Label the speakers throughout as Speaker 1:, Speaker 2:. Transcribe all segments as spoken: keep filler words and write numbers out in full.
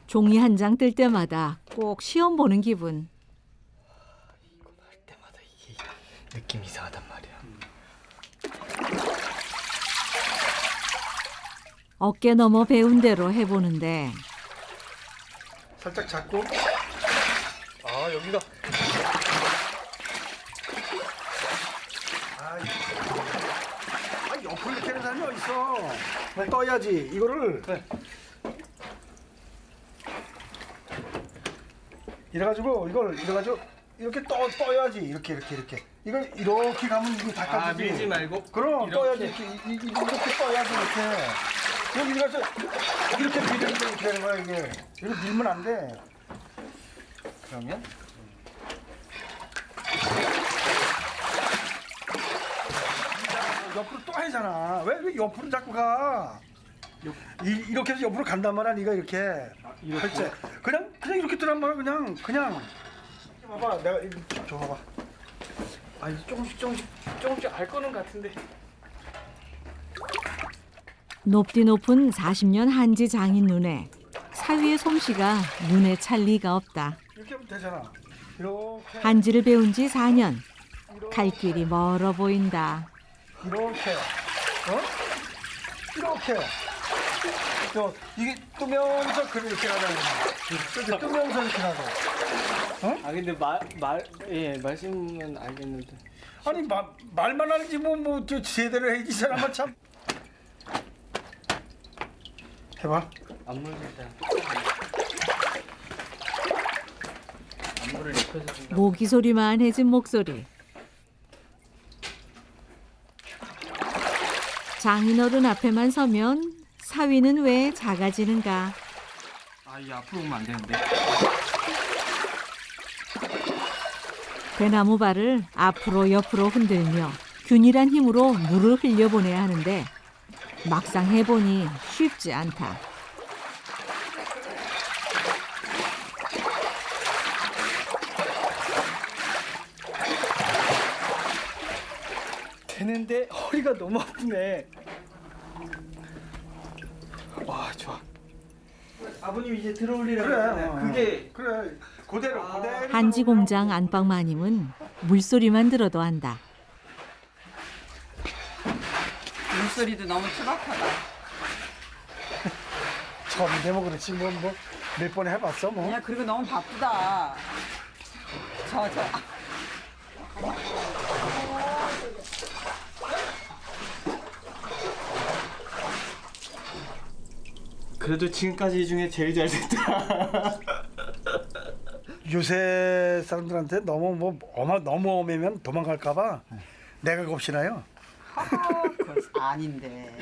Speaker 1: 종이 한 장 뜰 때마다 꼭 시험 보는 기분.
Speaker 2: 이거 할 때마다 이게 느낌이 이상하단 말이야.
Speaker 1: 어깨 넘어 배운 대로 해보는데
Speaker 3: 살짝 잡고. 아 여기가. 아, 아 옆으로 이렇게 하는 사람이 어딨어. 떠야지 이거를.
Speaker 2: 네.
Speaker 3: 이래가지고 이걸 이래가지고 이렇게 떠 떠야지 이렇게 이렇게 이렇게. 이걸 이렇게 가면 이게 다
Speaker 2: 아
Speaker 3: 까지지.
Speaker 2: 밀지 말고.
Speaker 3: 그럼
Speaker 2: 이렇게.
Speaker 3: 떠야지 이렇게 이, 이, 이렇게 떠야지 이렇게. 여기 가서 이렇게 밀면 이렇게 되는 거야 이게. 이거 밀면 안 돼.
Speaker 2: 그러면
Speaker 3: 옆으로 또 하잖아. 왜, 왜 옆으로 자꾸 가? 이, 이렇게 해서 옆으로 간단 말이야. 네가 이렇게 할 때. 그냥 그냥 이렇게 뜨란 말이야. 그냥 그냥. 봐봐, 내가 이거 줘 봐봐.
Speaker 2: 아 이제 조금씩 조금씩 조금씩 알 거는 같은데.
Speaker 1: 높디 높은 사십 년 한지 장인 눈에 사위의 솜씨가 눈에 찰 리가 없다.
Speaker 3: 이렇게 하면 되잖아. 이렇게
Speaker 1: 한지를 배운 지 사 년. 갈 길이 멀어 보인다.
Speaker 3: 이렇게. 어? 이렇게. 또 이게 뜨면서 그렇게 가자는 거야. 이렇게 뜨면서 이렇게 가고.
Speaker 2: 아 근데 말말예 말씀은 알겠는데.
Speaker 3: 아니 마, 말만 하지 뭐뭐 제대로 해야지 이 사람은 참. 해봐.
Speaker 2: 안무를 안무를 입혀서 준다.
Speaker 1: 모기 소리만 해진 목소리. 장인어른 앞에만 서면 사위는 왜 작아지는가.
Speaker 2: 아이 앞으로 오면 안 되는데.
Speaker 1: 대나무 발을 앞으로 옆으로 흔들며 균일한 힘으로 물을 흘려보내야 하는데 막상 해보니 쉽지 않다.
Speaker 2: 되는데 허리가 너무 아프네. 와 좋아. 아버님 이제 들어올리라고
Speaker 3: 그래.
Speaker 2: 했잖아요.
Speaker 3: 어.
Speaker 2: 그게
Speaker 3: 그래. 그대로
Speaker 2: 아.
Speaker 3: 그대로.
Speaker 1: 한지 공장 안방 마님은 물소리만 들어도 안다.
Speaker 4: 물소리도 너무 투박하다.
Speaker 3: 처음인데 뭐 그렇지 뭐 뭐 몇 번 해봤어 뭐.
Speaker 4: 야, 그리고 너무 바쁘다. 저, 저.
Speaker 2: 그래도 지금까지 중에 제일 잘 됐다.
Speaker 3: 요새 사람들한테 너무 뭐 어마 너무 엄하면 도망갈까봐 내가 겁시나요.
Speaker 4: 하하, 그건 아닌데.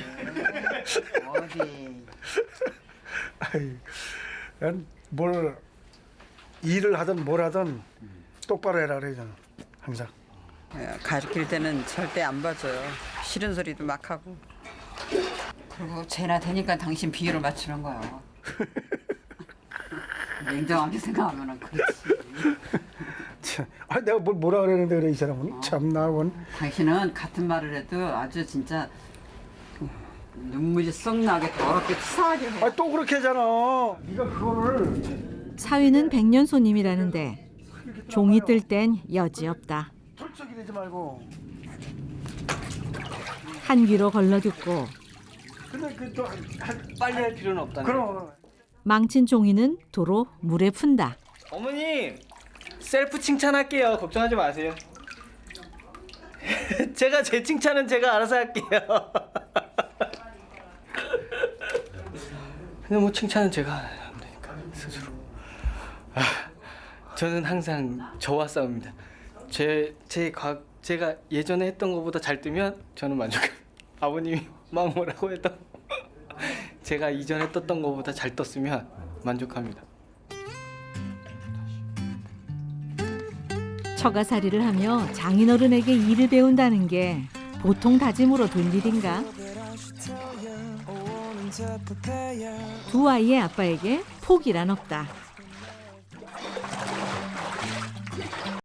Speaker 4: 어디.
Speaker 3: 아이, 난 뭘 일을 하든 뭘 하든 똑바로 해라 그러잖아 항상.
Speaker 4: 예, 가르칠 때는 절대 안 봐줘요. 싫은 소리도 막 하고. 그리고 쟤나 되니까 당신 비율을 맞추는 거야. 냉정하게 생각하면 그렇지.
Speaker 3: 참, 아 내가 뭘 뭐라 그랬는데 그래 이 사람은 참 나원.
Speaker 4: 당신은 같은 말을 해도 아주 진짜 눈물이 쏙 나게 더럽게 치사하게 해.
Speaker 3: 아또 그렇게 하잖아. 네가 그거를
Speaker 1: 사위는 백년 손님이라는데 종이 뜰 땐 여지없다.
Speaker 3: 툴쩍이 되지 말고.
Speaker 1: 한 귀로 걸러듣고
Speaker 3: 근데 그또
Speaker 2: 빨리 할 필요는 없다는.
Speaker 3: 그럼.
Speaker 1: 망친 종이는 도로 물에 푼다.
Speaker 2: 어머님 셀프 칭찬할게요. 걱정하지 마세요. 제가 제 칭찬은 제가 알아서 할게요. 근데 뭐 칭찬은 제가 하면 되니까 스스로. 아, 저는 항상 저와 싸웁니다. 제제 과 제가 예전에 했던 것보다 잘 뜨면 저는 만족합니다. 아버님이 막 뭐라고 해도 제가 이전에 떴던 것보다 잘 떴으면 만족합니다.
Speaker 1: 처가살이를 하며 장인어른에게 일을 배운다는 게 보통 다짐으로 될 일인가? 두 아이의 아빠에게 포기란 없다.